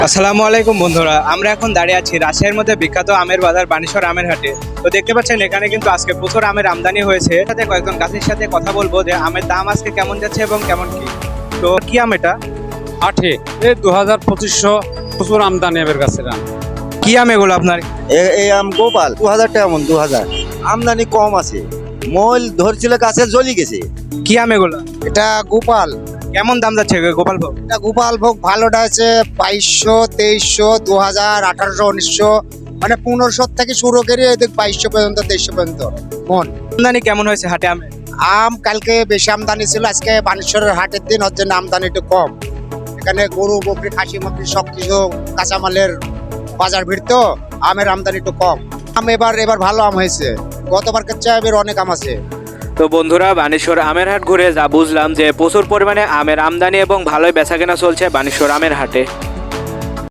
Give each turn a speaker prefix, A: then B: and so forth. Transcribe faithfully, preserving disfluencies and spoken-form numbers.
A: আসসালামু আলাইকুম বন্ধুরা, আমরা এখন দাঁড়িয়ে আছি রাজশাহীর মধ্যে বিখ্যাত আমের বাজার বানেশ্বর আমের হাটে। তো দেখতে পাচ্ছেন এখানে কিন্তু আজকে প্রচুর আমের আমদানি হয়েছে। সাথে কয়েকজন গাছের সাথে কথা বলবো যে আমের দাম আজকে কেমন যাচ্ছে এবং কেমন কি। তো কি আম এটা?
B: আঠে এই দু হাজার পঁচিশশো প্রচুর আমদানি এবার গাছের আম।
A: কি আম এগুলো আপনার?
C: এ- এই আম গোপাল দু হাজার টাকা মন দু হাজার আমদানি কম আছে। মল ধরছিল গাছে জ্বলি গেছে।
A: কি আম এগুলো?
D: এটা গোপাল
A: কেমন দাম যাচ্ছে গোপাল ভোগ?
D: এটা গোপাল ভোগ ভালোটা আছে বাইশশো তেইশশো দু হাজার আঠারোশো উনিশশো মানে পনেরোশো থেকে শুরু করে এদিক বাইশশো পর্যন্ত তেইশশো পর্যন্ত মন।
A: আমদানি কেমন হয়েছে হাটে আমে?
D: আম কালকে বেশি আমদানি ছিল, আজকে বানেশ্বরের হাটের দিন হচ্ছে না আমদানি একটু কম। এখানে গরু বকরি খাসি মাকড়ি সব কিছু কাঁচামালের বাজার ভিড়, তো আমের আমদানি একটু কম। আম এবার এবার ভালো আম হয়েছে, গতবার চেয়ে এবার অনেক আম আছে।
A: তো বন্ধুরা, বানেশ্বর আমের হাট ঘুরে যা বুঝলাম যে প্রচুর পরিমাণে আমের আমদানি এবং ভালোই বেচাকেনা চলছে বানেশ্বর আমের হাটে।